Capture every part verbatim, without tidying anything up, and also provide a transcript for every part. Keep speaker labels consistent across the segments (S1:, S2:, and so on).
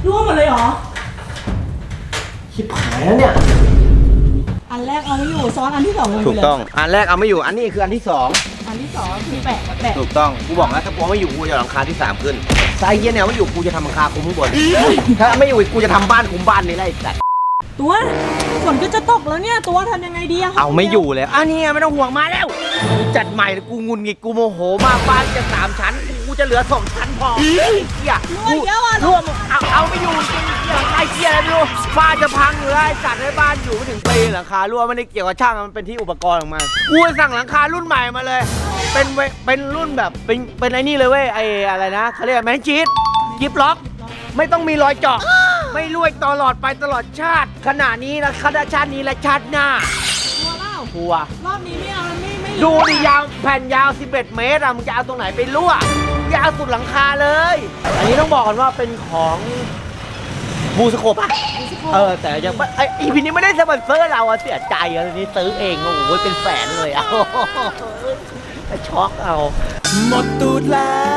S1: ร่วงหมดเลยเหรอ
S2: ชิบหายแล้วเนี่ย
S1: อันแรกเอาไม่อยู่ซ้อนอันที่สองลงไปเลย
S2: ถูกต้องอันแรกเอาไม่อยู่อันนี้คืออันที่สอง
S1: อันที่สองคือแปะแปะ
S2: ถูกต้องกูบอกแล้วถ้ากูไม่อยู่กูจะหลังคาที่สามขึ้นไซเยี่ยเนี่ยไม่อยู่กูจะทำหลังคาคุมข้างบนถ้าไม่อยู่กูจะทำบ้านคุมบ้านนี่แหละไอ้สัส
S1: ตัวฝนก็จะตกแล้วเนี่ยตัวทำยังไงดีอะ
S2: เอาไม่อยู่เลยอันนี้ไม่ต้องห่วงมาแล้วจัดใหม่กูงุนงิดกูโมโหมากบ้านจะสามชั้นกูจะเหลือสองชั้นพอเฮีย
S1: ร่วงเยอะอ่ะ
S2: ร่วงเอาเอาไม่อยู่จริงเฮียไอ้เฮียอะไรไม่รู้บ้านจะพังอยู่แล้วไอ้สัตว์ในบ้านอยู่ไม่ถึงปีหลังคารั่วไม่ได้เกี่ยวกับช่างมันเป็นที่อุปกรณ์ของมันกูสั่งหลังคารุ่นใหม่มาเลยเป็นเป็นรุ่นแบบเป็นเป็นไอ้นี่เลยเว้ยไอ้อะไรนะเขาเรียกแมนชีตกิฟล็อกไม่ต้องมีรอยเจาะไม่รั่วตลอดไปตลอดชาติขณะนี้นะขณะชาตินี้และชาติหน้า
S1: ตัวเล่า
S2: ทัว
S1: รอบนี้ไม่เอาไม่ไม่
S2: ดูดิยาวแผ่นยาวสิบเอ็ดเมตรอะมึงจะเอาตรงไหนไปรั่วยาวสุดหลังคาเลยอันนี้ต้องบอกกันว่าเป็นของบูสโคปอะเออแต่ยังไออีพีนี้ไม่ได้สปอนเซอร์เราอะเสียใจอะทีนี้ซื้อเองโอ้โหเป็นแสนเลยอะช็อกเอาหมดตูด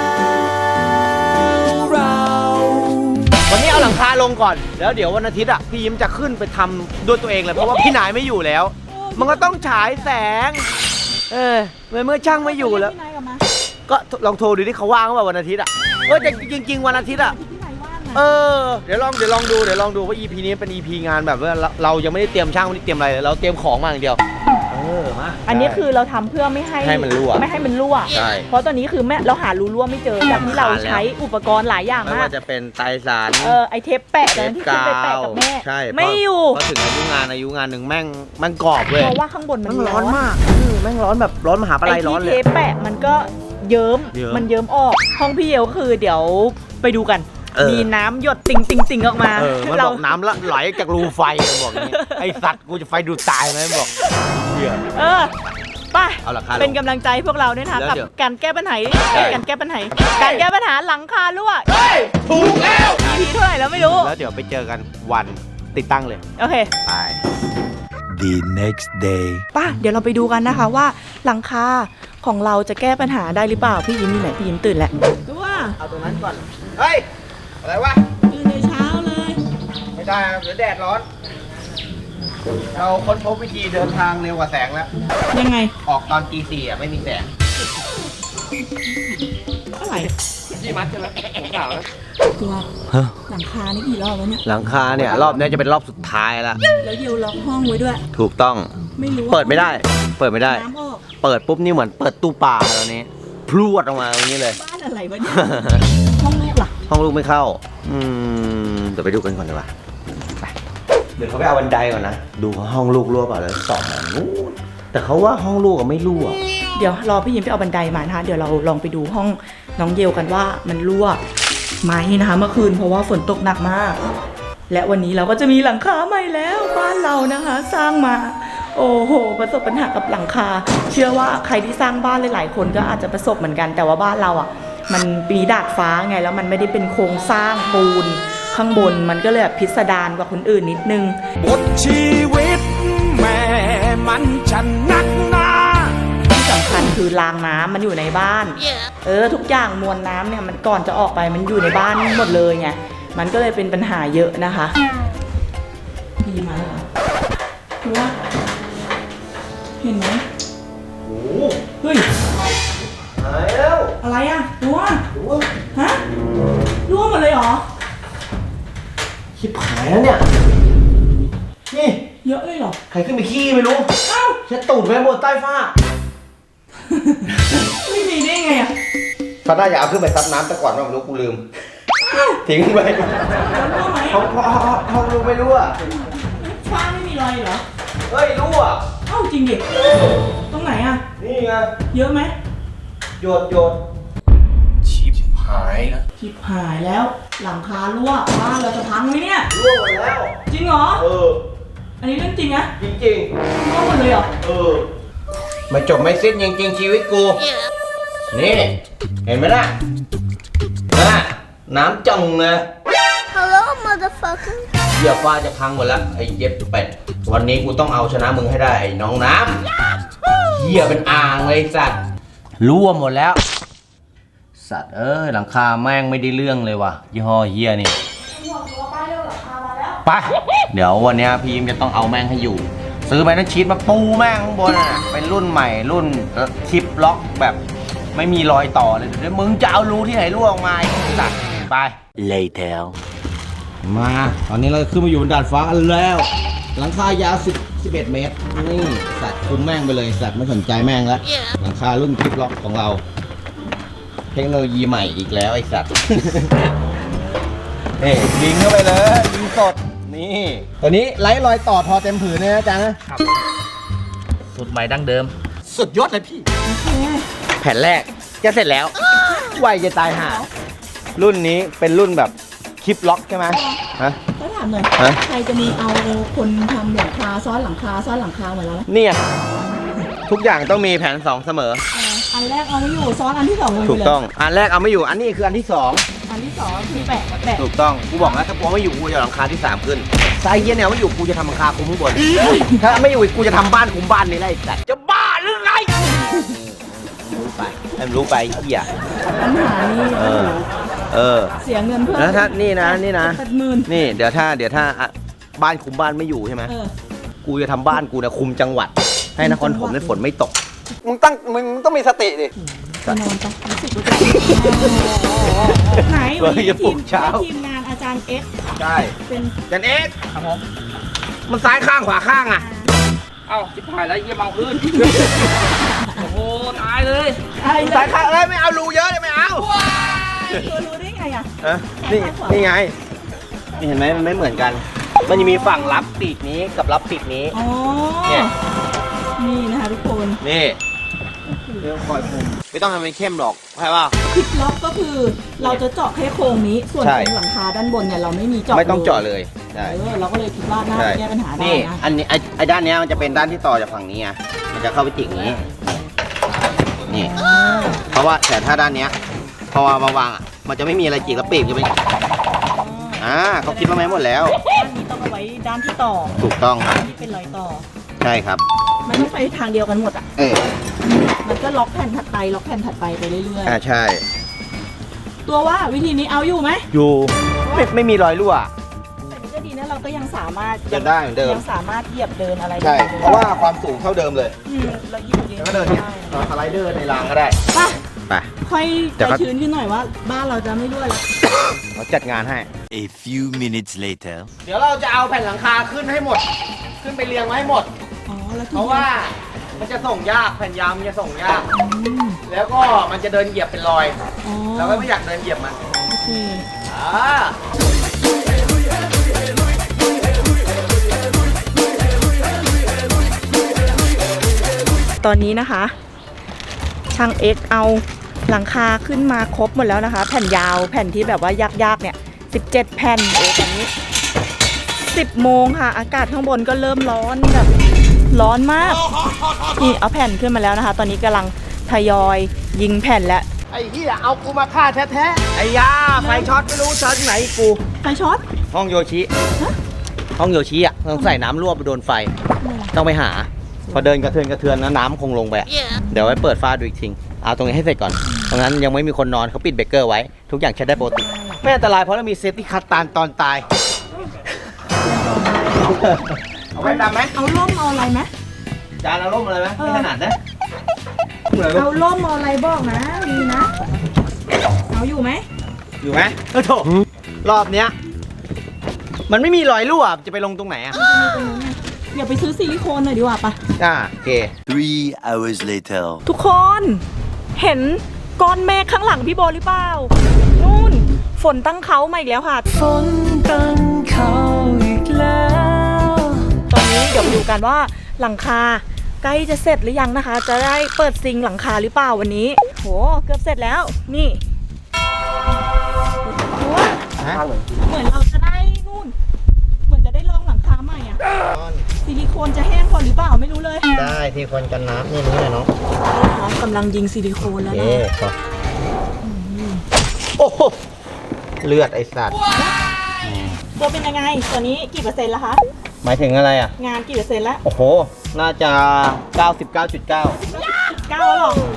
S2: แล้วเราวันนี้เอาหลังคาลงก่อนแล้วเดี๋ยววันอาทิตย์อ่ะพี่ยิ้มจะขึ้นไปทำด้วยตัวเองเลยเพราะว่าพี่นายไม่อยู่แล้วมันก็ต้องฉายแสงเออเมื่อเมื่อช่างไม่อยู่แล้วก็ลองโทรดูที่เขาว่างว่าวันอาทิตย์อ่ะเออแต่จริงๆวันอาทิตย์อ่ะเออเดี๋ยวลองเดี๋ยวลองดูเดี๋ยวลองดูว่า อี พี นี้เป็น อี พี งานแบบว่าเรายังไม่ได้เตรียมช่างไม่ได้เตรียมอะไรเลยเราเตรียมของมาอย่างเดียวเออมา
S1: อันนี้คือเราทำเพื่อไม่ให้
S2: ให้มันรั่ว
S1: ไม่ให้มันรั่ว
S2: ใช่
S1: เพราะตอนนี้คือแม่เราหารูรั่วไม่เจอจากที่เราใช้อุปกรณ์หลายอย่างมาก
S2: ไม่ว่าจะเป็นไตรสาร
S1: เออไอเทปแปะแต่ที่ขึ้นไปแปะกับแม่
S2: ใช่
S1: ไม่อยู่
S2: พอถึงอายุงานอายุงานหนึ่งแม่งแม่งกรอบเว้ย
S1: เพราะว่าข้างบนมัน
S2: ร้อนมากแม่งร้อนแบบร้อนมหาปลัยร้อนเลย
S1: ไอที่เทปแปะมันก็เยิ้มมันเยิ้มออกห้องพี่เยวคือเดี๋ยวไปดูกันมีน้ำหยดติ่งติ่งติ่งออกมา
S2: มันบอกน้ำละไหลจากรูไฟบอกอย่างนี้ไอสัตว์กูจะไฟดูดตายไหมบอก
S1: เออไปเป็นกำลังใจพวกเราด้วยนะกับการแก้ปัญหาการแก้ปัญหาการแก้ปัญหาหลังคารั่ว
S2: ถูกแล้ว
S1: อี พี เท่าไหร่แล้วไม่รู้
S2: แล้วเดี๋ยวไปเจอกันวันติดตั้งเลย
S1: โอเค
S2: ไป
S3: The next day
S1: ป่ะเดี๋ยวเราไปดูกันนะคะว่าหลังคาของเราจะแก้ปัญหาได้หรือเปล่าพี่ยิ้มนี่ไหนพี่ยิ้มตื่นแล้วตัว
S2: เอาตรงนั้นก่อนเฮ้ยอะไรวะ
S1: ตื่นในเช้าเลย
S2: ไม่ได้เดี๋ยวแดดร้อนเราค้นพบวิธีเดินทางเร็วกว่าแสงแล้ว
S1: ยังไง
S2: ออกตอนตีสี่อ่ะไม่มีแสง
S1: อะไร
S2: ที่มัดใช่ไหมผมกล่าวแล้ว
S1: ตัวหลังคานี่กี่รอบแล้วเนี่ย
S2: หลังคาเนี่ยรอบนี้จะเป็นรอบสุดท้ายแล้ว
S1: แล้วยิวล็อกห้องไว้ด้วย
S2: ถูกต้อง
S1: ไม่รู้
S2: เปิดไม่ได้เปิดไม่ได้เปิดปุ๊บนี่เหมือนเปิดตู้ปลาตอนนี้พรวดออกมาตรงนี้เลย
S1: บ้านอะไรวะเนี่ยห้องลูกล่ะ
S2: ห้องลูกไม่เข้าอืมเดี๋ยวไปดูกันก่อนดีกว่าไปเดี๋ยวเขาไปเอาบันไดก่อนนะดูห้องลูกรั่วเปล่าแล้วสองนู้นแต่เขาว่าห้องลูกไม่รั่ว
S1: เดี๋ยวรอพี่ยิ้มไปเอาบันไดมานะคะเดี๋ยวเราลองไปดูห้องน้องเยลกันว่ามันรั่วไหมนะคะเมื่อคืนเพราะว่าฝนตกหนักมากและวันนี้เราก็จะมีหลังคาใหม่แล้วบ้านเรานะคะสร้างมาโอ้โหประสบปัญหากับหลังคาเชื่อว่าใครที่สร้างบ้านหลายๆคนก็อาจจะประสบเหมือนกันแต่ว่าบ้านเราอ่ะมันมีดาดฟ้าไงแล้วมันไม่ได้เป็นโครงสร้างปูนข้างบนมันก็เลยแบบพิสดารกว่าคนอื่นนิดนึง
S3: บทชีวิตแม่มันฉันนักหนา
S1: ที่สำคัญคือรางน้ำมันอยู่ในบ้าน yeah. เออทุกอย่างมวลน้ำเนี่ยมันก่อนจะออกไปมันอยู่ในบ้านหมดเลยไงมันก็เลยเป็นปัญหาเยอะนะคะดีไหมเหรอว่าเห็นไหม
S2: โอ้
S1: เฮ้ย
S2: หายแล้ว
S1: อะไรอ่ะรั่วฮะรั่วหมดเลยเหรอ
S2: ชิบหายแล้วเนี่ยนี่
S1: เยอะเลยเหรอ
S2: ใครขึ้นไปขี้ไม่รู้
S1: เอ้า
S2: เช็ดตูดไว้บนใต้ฝ้า
S1: ไม่มีได้ไงอ่ะ
S2: ฟ้าน่าจะเอาขึ้นไปซับน้ำแต่ก่อนว่าไม่รู้กูลืมทิ้งไปเขาเขาเขารู้ไม่รู้อ่ะ
S1: ฟ้าไม่มีรอยเหรอ
S2: เฮ้ยรู้อ่ะ
S1: เอ้าจริงดิตรงไหนอ่ะ
S2: นี่ไง
S1: เยอะไหม
S2: โยดโยดชิบหายนะ
S1: ชิบหายแล้วหลังคารั่วบ้านเราจะพังไหมเนี่ย
S2: รั่วหมดแล้ว
S1: จริงเหรอ
S2: เออ
S1: อันนี้เรื่องจริงนะ
S2: จริงจริง
S1: รั่วหมดเลยเหรอ
S2: เออไม่จบไม่สิ้นจริงๆชีวิตกูนี่เห็นไหมล่ะนะน้ำจังเลย
S4: Hello motherfucker
S2: เหี้ยฟ้าจะพังหมดแล้วไอ้เย็บเป็ดวันนี้กูต้องเอาชนะมึงให้ได้ไอ้น้องน้ำเหี้ยเป็นอ่างเลยสัตว์รั่วหมดแล้วสัตว์เอ้ยหลังคาแม่งไม่ได้เรื่องเลยว่ะยี่ห้อเหี้ยนี่ไปเดี๋ยววันนี้พี่ยิ้มจะต้องเอาแม่งให้อยู่ ซื้อไปนะชีสมาปูแม่งข้างบนน่ะเป็นรุ่นใหม่รุ่นชิปล็อกแบบไม่มีรอยต่อเลยเดี๋ยวมึงจะเอารูที่ไหนรั่วออกมาสัตว์ไป later มาตอนนี้เราขึ้นมาอยู่บนดาดฟ้ากันแล้วหลังคายาว10 11 เมตรนี่สัตว์คุมแม่งไปเลยสัตว์ไม่สนใจแม่งแล้วหลังคารุ่นชิปล็อกของเราเทคโนโลยีใหม่อีกแล้วไอ้สัตว์ เฮ้ยยิงเข้าไปเลยยิงสดนี่ตัวนี้ไร้รอยต่อทอเต็มผืนเลยนะจ๊ะนะ
S5: สูตรใหม่ดั้งเดิม
S2: สุดยอดเลยพี่แผ่นแรกจะเสร็จแล้วไวจะตายห่ารุ่นนี้เป็นรุ่นแบบคลิปล็อกใช่ไหมฮะ
S1: ก็ถามหน่อย
S2: ฮะ
S1: ใครจะมีเอาคนทำหลังคาซ้อนหลังคาซ้อนหลังคาเหมือนเราไหม
S2: เนี่ยทุกอย่างต้องมีแผนสองเสมอ
S1: อันแรกเอาไม่อยู่ซ้อนอันที่สองลงไปเลย
S2: ถูกต้องอันแรกเอาไม่อยู่อันนี้คืออันที่สอง
S1: อันที่สองคือแปะแปะ
S2: ถูกต้องกูบอกแล้วถ้ากูไม่อยู่กูจะเอาหลังคาที่สามขึ้นไซเยียเนี่ยไม่อยู่กูจะทำหลังคาคุมข้างบนถ้าไม่อยู่กูจะทำบ้านคุมบ้านนี่แหละไอ้สัตว์จะบ้าหรือไงรู้ไปให้มันรู้ไปไอ้เหี้ย
S1: ปัญหานี่
S2: เออ เออ
S1: เสียเงินเพิ่ม
S2: แล้วถ้านี่นะนี่นะ
S1: แปดหมื่น
S2: นี่เดี๋ยวถ้าเดี๋ยวถ้าอ่ะบ้านคุมบ้านไม่อยู่ใช่ไหม
S1: เออ
S2: กูจะทำบ้านกูเนี่ยคุมจังหวัด ให้นครถมเนี่ยฝนไม่ตกมึงตั้งมึงต้องมีสติดิ
S1: ไปนอนไปรู้สึกว่าจะไหนวันนี้
S2: จะปลุ
S1: ทีม
S2: กเช้า
S1: ทีมงานอาจารย์เอ็กซ์
S2: ใช่
S1: เป็น
S2: จันเอ็กซ์ครับผมมันซ้ายข้างขวาข้างอ่ะ
S5: เอ้าจิบหายแล้วเยี่ยมเอาพื้น โอ้โห ตายเลย
S1: อะไร
S2: ซ้ายข้างเอ้ยไม่เอารูเยอะเลยไม่เอา
S1: เธอรู้ได้ไงอ่ะ
S2: ฮะนี่นี่ไงนี่เห็นไหมมันไม่เหมือนกัน มันจะมีฝั่งรับปีกนี้กับรับปีกนี้
S1: อ๋อ
S2: เนี่ย
S1: นี่นะคะทุกคน
S2: นี่เรื่องคอยคุมไม่ต้องทำเป็นเข้มหรอกใช่ป่ะ
S1: คลิปล็อกก็คือเราจะเจาะแค่โครงนี้ ส่วน
S2: ใช่
S1: ตรงหลังคาด้านบนเนี่ยเราไม่มีเจาะ
S2: ไม่ต้องเจาะเลยใช่
S1: เออเราก็เลยคิดว่าน่าจะแก้ปัญหาได้
S2: นี่
S1: นะ
S2: อันนี้ไอ้ไอ้ด้านเนี้ยมันจะเป็นด้านที่ต่อจากฝั่งนี้ไงมันจะเข้าไปจิกนี้ นี่
S1: อ่า
S2: เพราะว่าแต่ถ้าด้านเนี้ยพอมาวางอ่ะ มันจะไม่มีอะไรจิกแล้วปีกจะเป็นอ่าเขาคิดมาไหมหมดแล้ว
S1: ด้านนี้ต้องเอาไว้ด้านที่ต่อ
S2: ถูกต้องครับ
S1: ที่เป็นรอยต่อ
S2: ใช่ครับ
S1: มันต้องไปทางเดียวกันหมดอ่ะ
S2: เออ
S1: มันก็ล็อกแผ่นถัดไปล็อกแผ่นถัดไปไปเรื่อย
S2: อ่าใช่
S1: ๆ ตัวว่าวิธีนี้เอาอยู่ไหม
S2: อยู่ไม่ไม่มีรอยรั่ว
S1: แต่นี่ก็ดีนะเราก็ยังสามารถ
S2: ยังได้เหมือนเดิม
S1: ยังสามารถเหยียบเดินอะไร
S2: ใช่
S1: ได้
S2: เพราะว่าความสูงเท่าเดิมเลย
S1: อืมเราเหยียบเดิน
S2: แล้วก็เดินเนี่ยสไลเดอร์ในรางก็ได้
S1: ไป
S2: ไป
S1: ค่อย
S2: เดี๋ยว
S1: ใจ
S2: ก็
S1: ชื้นขึ้นหน่อยว่า บ้านเราจะไม่รั่วแล้ว
S2: เราจัดงานให้
S6: A few minutes later.
S2: เดี๋ยวเราจะเอาแผ่นหลังคาขึ้นให้หมด ขึ้นไปเรียงไว้ให้หมด
S1: อ๋อแล้วที
S2: เพราะว่ามันจะส่งยากแผ่นยาวมันจะส่งยาก
S1: อืม
S2: แล้วก็มันจะเดินเหยียบเป็นรอย
S1: อ๋อ
S2: เราก็ไม่อยากเดินเหยียบมัน
S1: โอเค
S2: อ่า
S1: ตอนนี้นะคะช่างเอ็กเอาหลังคาขึ้นมาครบหมดแล้วนะคะ แผ่นยาวแผ่นที่แบบว่ายากๆเนี่ยสิบเจ็ดแผ่นโอ้ตอนนี้สิบโมงค่ะ อากาศข้างบนก็เริ่มร้อนแบบร้อนมากนี่เอาแผ่นขึ้นมาแล้วนะคะ ตอนนี้กำลังทยอยยิงแผ่นแล้ว
S2: ไอ้เหี้ยเอากูมาฆ่าแท้ๆไอ้ยาไฟช็อตไม่รู้ช็อตไหนกู
S1: ไฟช็อต
S2: ห้องโยชิ ห้องโยชิอ่ะต้องใส่น้ำรั่วไปโดนไฟ ต้องไปหา พอเดินกระเทือนกระเทือนนะน้ำคงลงไปอะเดี๋ยวไว้เปิดฟ้าดูอีกทีเอาตรงนี้ให้เสร็จก่อนตรงนั้นยังไม่มีคนนอนเขาปิดเบรกเกอร์ไว้ ทุกอย่างใช้ได้ปกติไม่อันตรายเพราะเรามีเซฟตี้คัตตานตอนตาย เอาไว้ดำไหม
S1: เอาล่มเอาอะไรไหม
S2: จานเอาร่มอะไรไหมไม่ถนัดนะ
S1: เอาล่มเอาอะไรบอกนะมีนะเอาอยู่ไหม
S2: อยู่ไหมเออโถรอบเนี้ยมันไม่มีรอยรั่วจะไปลงตรงไหนอ่ะ
S1: อย่าไปซื้อซิลิโคนหน่อยดีกว่าปะ
S2: อ่าโอเค
S6: Three hours later.
S1: ทุกคนเห็นก้อนเมฆข้างหลังพี่โบหรือเปล่านู่นฝนตั้งเขามาอีกแล้วค่ะฝนตั้งเขาอีกแล้วตอนนี้เดี๋ยวมาดูกันว่าหลังคาใกล้จะเสร็จหรือยังนะคะ จะได้เปิดซิงหลังคาหรือเปล่าวันนี้โหเกือบเสร็จแล้วนี่ดูว่า
S2: ฮะ
S1: เหมือนเราจะได้นู่นเหมือนจะได้ลองหลังคาใหม่อะซิลิโคนจะแห้งพอหรือเปล่าไม่รู้เลย
S2: ได้ที่คนกันน้ำนี่นี่เนาะ
S1: น้องกำลังยิงซิลิโคนแล้ว
S2: เอ๊
S1: นะ
S2: โอ้โหเลือดไอสัตว์
S1: ตัวเป็นยังไงตัวนี้กี่เปอร์เซ็นต์แล้วคะ
S2: หมายถึงอะไรอ่ะ
S1: งานกี่เปอร์เซ็นต์แล้ว
S2: โอ้โห น่าจะ เก้าสิบเก้าจุดเก้า
S1: เก้าแล้วหรอ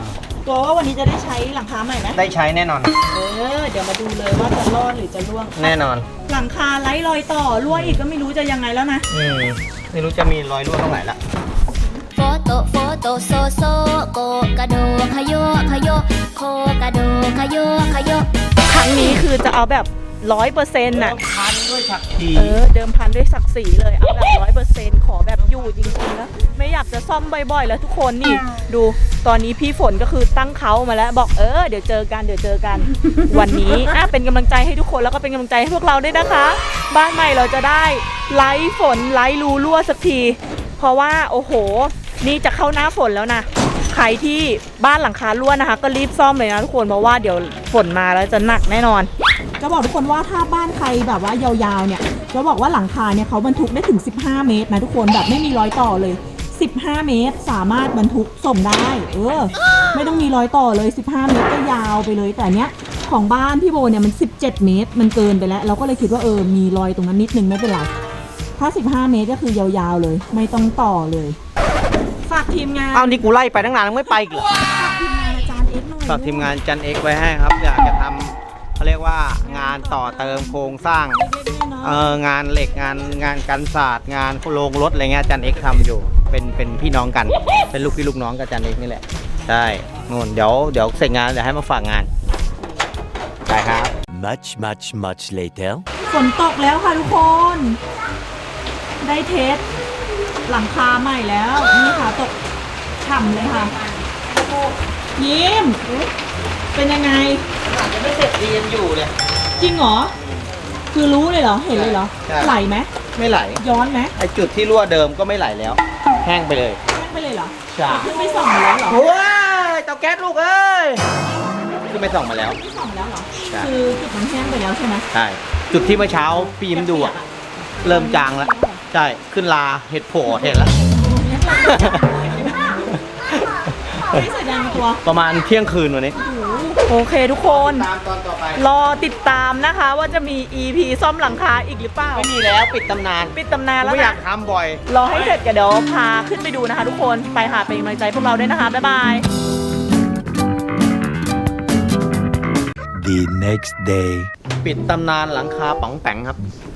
S1: ตัวว่าวันนี้จะได้ใช้หลังคาใหม่ไหม
S2: ได้ใช้แน่นอน
S1: เออเดี๋ยวมาดูเลยว่าจะรอดหรือจะร่วง
S2: แน่นอน
S1: หลังคาไร้รอยต่อรั่วอีกก็ไม่รู้จะยังไงแล้วนะ
S2: อืมไม่รู้จะมีรอยรั่วตรงไหนละ
S7: โฟโตโฟโตโซโซโกกระโดขยโยขยโยโคกระโดขยโยขยโย
S1: ครั้งนี้คือจะเอาแบบร้อยเปอร์เซ็นต์น่ะ
S2: พันด้วยฉักที
S1: เออเดิมพันด้วยศักดิ์ศรีเลยเอาแบบร้อยเปอร์เซ็นต์ขอแบบอยู่จริงๆนะไม่อยากจะซ่อมบ่อยๆแล้วทุกคนนี่ดูตอนนี้พี่ฝนก็คือตั้งเขามาแล้วบอกเออเดี๋ยวเจอกันเดี๋ยวเจอกัน วันนี้อ่ะเป็นกำลังใจให้ทุกคนแล้วก็เป็นกำลังใจให้พวกเราด้วยนะคะ บ้านใหม่เราจะได้ไล่ฝนไล่รูรั่วสักที เพราะว่าโอ้โหนี่จะเข้าหน้าฝนแล้วนะใครที่บ้านหลังคารั่วนะคะ ก็รีบซ่อมเลยนะทุกคนเพราะว่าเดี๋ยวฝนมาแล้วจะหนักแน่นอนจะบอกทุกคนว่าถ้าบ้านใครแบบว่ายาวๆเนี่ยจะบอกว่าหลังคาเนี่ยเขาบรรทุกได้ถึงสิบห้าเมตรนะทุกคนแบบไม่มีรอยต่อเลยสิบห้าเมตรสามารถบรรทุกส่งได้เออไม่ต้องมีรอยต่อเลยสิบห้าเมตรก็ยาวไปเลยแต่เนี้ยของบ้านพี่โบเนี่ยมันสิบเจ็ดเมตรมันเกินไปแล้วเราก็เลยคิดว่าเออมีรอยตรงนั้นนิดนึงไม่เป็นไรถ้าสิบห้าเมตรก็คือยาวๆเลยไม่ต้องต่อเลยฝากทีมงาน
S2: อ้าวนี่กูไล่ไปตั้งนานยังไม่ไปอีกเหรอ
S1: ฝากทีมงานอาจารย์เอ็กซ์หน่อย
S2: ฝากทีมงานจันเอ็กไว้ให้ครับ อยากจะทำเขาเรียกว่างานต่อเติมโครงสร้าง
S1: เล็กๆน้อย
S2: เอองานเหล็กงานงานกันศาสตร์งานโรงรถอะไรเงี้ยจันเอ็กทำอยู่เป็นเป็นพี่น้องกัน เป็นลูกพี่ลูกน้องกับจันเอ็กนี่แหละใช่นู่นเดี๋ยวเดี๋ยวเสร็จงานเดี๋ยวให้มาฝากงานได้ครับ
S6: Much, much, much later.
S1: ฝนตกแล้วค่ะทุกคน ได้เทสหลังคาใหม่แล้วนี่ค่ะตกฉ่ำเลยค่ะยิ้มเป็นยังไง
S2: ยังไม่เสร็จดียังอยู่เลย
S1: จริงเหรอคือรู้เลยเหรอเห็นเลยเหรอ
S2: ใช่
S1: ไหลไหม
S2: ไม่ไหล
S1: ย้อนไหม
S2: ไอจุดที่รั่วเดิมก็ไม่ไหลแล้ว แห้งไปเลย
S1: แห้งไปเลยเหรอ
S2: ใช่
S1: ขึ้นไม่ส่องมาแล้วเหรอ
S2: โอ้ยเตาแก๊สลูกเอ้ยขึ้นไปส่องมาแล้ว
S1: ไม่ส่องมาแล้วเหรอ
S2: ใช่
S1: คือจุดมันแห้งไปแล้วใช่ไหม
S2: ใช่จุดที่เมื่อเช้าพี่ยิ้มดูอะเริ่มจางแล้วใช่ขึ้นลาเห็ดโผล่เห็นแล้ว
S1: ไม่เสร็จยังตัว
S2: ประมาณเที่ยงคืนวันนี้
S1: โอเคทุกคน
S2: ตามตอนต่อไป
S1: รอติดตามนะคะว่าจะมี อี พี ซ่อมหลังคาอีกหรือเปล่า
S2: ไม่มีแล้วปิดตำนาน
S1: ปิดตำนานแล้ว
S2: ไม่อยา
S1: นะ
S2: กทำบ่อย
S1: รอให้เสร็จกันเดี๋ยวพาขึ้นไปดูนะคะทุกคนไปหาเป็นกำลังใจพวกเราด้วยนะคะ บ๊ายบาย
S6: The next day.
S2: ปิดตำนานหลังคาป๋องแปงครับ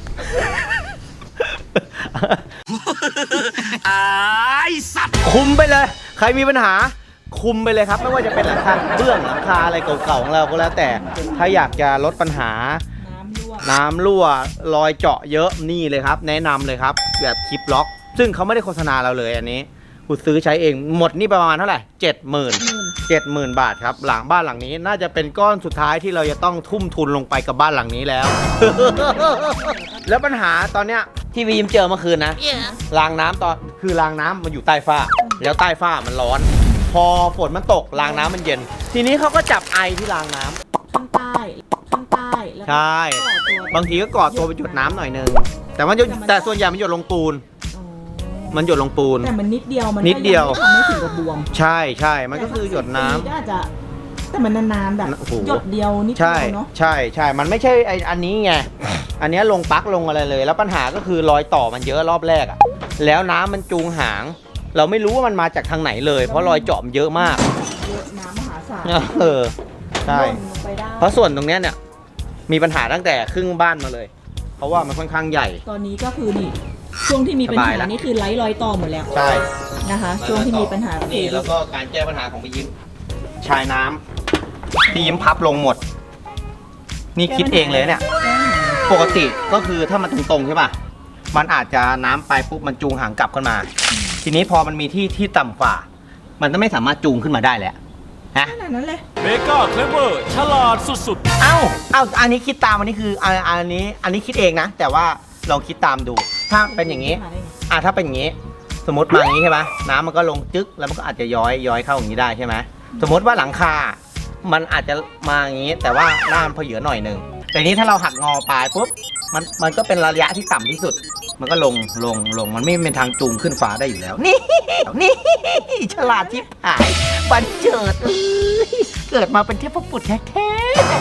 S3: ไอ้สัตว์
S2: คุมไปเลย ใครมีปัญหา คุมไปเลยครับ ไม่ว่าจะเป็นหลังคาเบื้องหลังคาอะไรเก่าๆของเราก็แล้วแต่ ถ้าอยากจะลดปัญหา น้ำรั่วรอยเจาะเยอะนี่เลยครับ แนะนำเลยครับ แบบคลิปล็อก ซึ่งเขาไม่ได้โฆษณาเราเลยอันนี้กูซื้อใช้เองหมดนี่ประมาณเท่าไหร่เจ็ดหมื่นเจ็ดหมื่นบาทครับ หลังบ้านหลังนี้น่าจะเป็นก้อนสุดท้ายที่เราจะต้องทุ่มทุนลงไปกับบ้านหลังนี้แล้ว แล้วปัญหาตอนเนี้ยที่วีมเจอเมื่อคืนนะรางน้ำตอนคือรางน้ำมันอยู่ใต้ฝ้า แล้วใต้ฝ้ามันร้อน พอฝนมันตกรางน้ำมันเย็น ทีนี้เขาก็จับไอที่รางน้ำ
S1: ข้างใต้ข้างใต้แล้วก็
S2: ใช่
S1: ต่อตัว
S2: บางทีก็กอดตัวไปหยดน้ำหน่อยนึงแต่มันจะแต่ส่วนใหญ่มันหยดลงปูน
S1: อ๋อ
S2: มันหยดลงปูน
S1: แต่มันนิดเดียวมันก็
S2: นิดเดียว
S1: งไม่ทำให้ถึงกับบวม
S2: ใช่ใช่มันก็คือหยดน้ำ
S1: แต่ถ้าสิบปีก็อาจจะแต่มันนานๆแบบ
S2: โอ้โห
S1: หยดเดียวนิดเดี
S2: ใช่
S1: ยวเนาะ
S2: ใช่ใช่มันไม่ใช่ไออันนี้ไง อันเนี้ยลงปลั๊กลงอะไรเลย แล้วปัญหาก็คือรอยต่อมันเยอะรอบแรกอะแล้วน้ำมันจูงหาง เราไม่รู้ว่ามันมาจากทางไหนเลย เพราะรอยเจาะมันเยอะมาก
S1: เยอะน้ำมหาศาล
S2: เออใช่
S1: หล่นลงไปได้
S2: เพราะส่วนตรงเนี้ยเนี่ยมีปัญหาตั้งแต่ครึ่งบ้านมาเลย เพราะว่ามันค่อนข้างใหญ่
S1: ตอนนี้ก็คือนี่ช่วงที่มีปัญ
S2: ส
S1: หา
S2: บายละ
S1: นี่คือไร้รอยต่อหมดแล้ว
S2: ใช่
S1: นะคะ ช่วงที่มีปัญหา
S2: นี่แล้วก็การแก้ปัญหาของพี่ยิ้มชายน้ำพี่ยิ้มพับลงหมด นี่คิดเองเลยเนี่ย ปกติก็คือถ้ามันตรงๆใช่ป่ะ มันอาจจะน้ำไปปุ๊บมันจูงหางกลับขึ้นมา ทีนี้พอมันมีที่ที่ต่ำกว่า มันก็ไม่สามารถจูงขึ้นมาได้แล้วนะ
S1: ขนาดนั้นเลย
S3: เมกาเคลเวอร์ฉลาดสุดๆ
S2: เอ้า เอ้า อันนี้คิดตามอันนี้คืออันอันนี้ อันนี้คิดเองนะ แต่ว่าลองคิดตามดู ถ้าเป็นอย่างนี้ อ่ะถ้าเป็นอย่างนี้ สมมติมาอย่างนี้ใช่ไหมน้ำมันก็ลงจึ๊กแล้วมันก็อาจจะย้อยย้อยเข้าอย่างนี้ได้ใช่ไหมสมมติว่าหลังคา มันอาจจะมาอย่างนี้ แต่ว่าหน้ามันเพอเหยือหน่อยหนึ่งแต่นี้ถ้าเราหักงอปลายปุ๊บมันมันก็เป็นระยะที่ต่ำที่สุด มันก็ลงลงลงมันไม่เป็นทางจูงขึ้นฟ้าได้อยู่แล้ว นี่ นี่ฉลาดทิพหายบันเจิดเอ้ยเกิดมาเป็นเทพบุตรแท้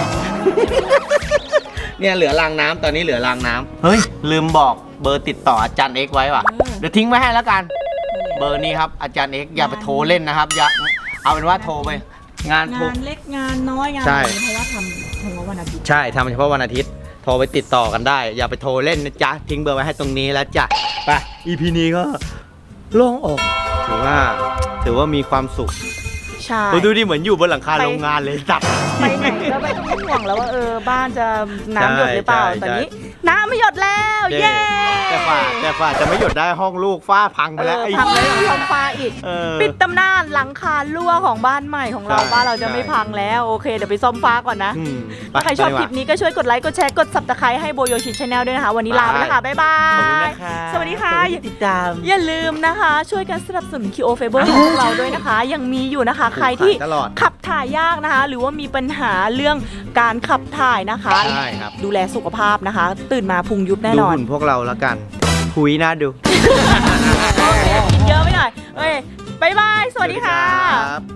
S2: ๆเนี่ยเหลือรางน้ำตอนนี้เหลือรางน้ำเฮ้ยลืมบอกเบอร์ติดต่ออาจารย์เอ็กซ์ไว้ว่ะ เดี๋ยวทิ้งไว้ให้แล้วกัน เบอร์นี้ครับอาจารย์เอ็กซ์อย่าไปโทรเล่นนะครับอย่าเอาเป็นว่าโทรไปงานทุก
S1: งานเล็กงานน้อยงาน
S2: ใช่
S1: อะไรเพราะว่าทำทำวันอาทิตย์
S2: ใช่ทำเฉพาะวันอาทิตย์ โทรไปติดต่อกันได้ อย่าไปโทรเล่นนะจ๊ะ ทิ้งเบอร์ไว้ให้ตรงนี้แล้วจ้ะไป อี พี นี้ก็โล่งอกถือว่าถือว่ามีความสุข
S1: ใช่
S2: โอ้ดูดิเหมือนอยู่บนหลังคาโรงงานเลยจับ
S1: ไปไหนก็ไม่ต้องห่วงแล้วว่าเออบ้านจะน้ำหยดหรือเปล่า
S2: ใช่ใช่
S1: ตอนนี้น้ำไม่หยดแล้วเย้
S2: แต่ฝ่าแต่ฝ่าจะไม่หยุดได้ห้องลูกฝ้าพังไป
S1: เอ
S2: แล้ว
S1: อ
S2: ไอ้
S1: พังเลยทำฟ้าอีก
S2: เออ
S1: ปิดตำนานหลังคารั่วของบ้านใหม่ของเรา
S2: ใช่
S1: บ้านเราจะ
S2: ใช่
S1: ไม่พังแล้วโอเคเดี๋ยวไปซ่อมฟ้าก่อนนะ
S2: อืมไป
S1: ถ้าใครชอบ
S2: ไป
S1: ค
S2: ดีกว่า
S1: ลิปนี้ก็ช่วยกดไลค์กดแชร์กด ซับสไครบ์ ให้โบโยชิชาแนลด้วยนะคะ วันนี้ลาไปแล้วค่ะบ๊ายบา
S2: ขอบคุณ
S1: ย
S2: นะคะ
S1: สวัสดีค่ะ
S2: ขอบณที่ติดตาม
S1: อย่าลืมนะคะ ช่วยกันสนับสนุน คิโอ Fiber ของพวกเราด้วยนะคะ ยังมีอยู่นะคะ ใครที่
S2: ตลอด
S1: ขับถ่ายยากนะคะ หรือว่ามีปัญหาเรื่องการขับถ่ายนะคะ
S2: ใช่ครับ
S1: ดูแลสุขภาพนะคะ ตื่นมาพุงยุบแน่
S2: ดู
S1: นอน
S2: หุ่นพวกเราแล้วกันคุยน่าดู
S1: กินเยอะไปหน่อยเอ้ยบายบาย สวัสดีค่ะ
S2: สวัสดีครับ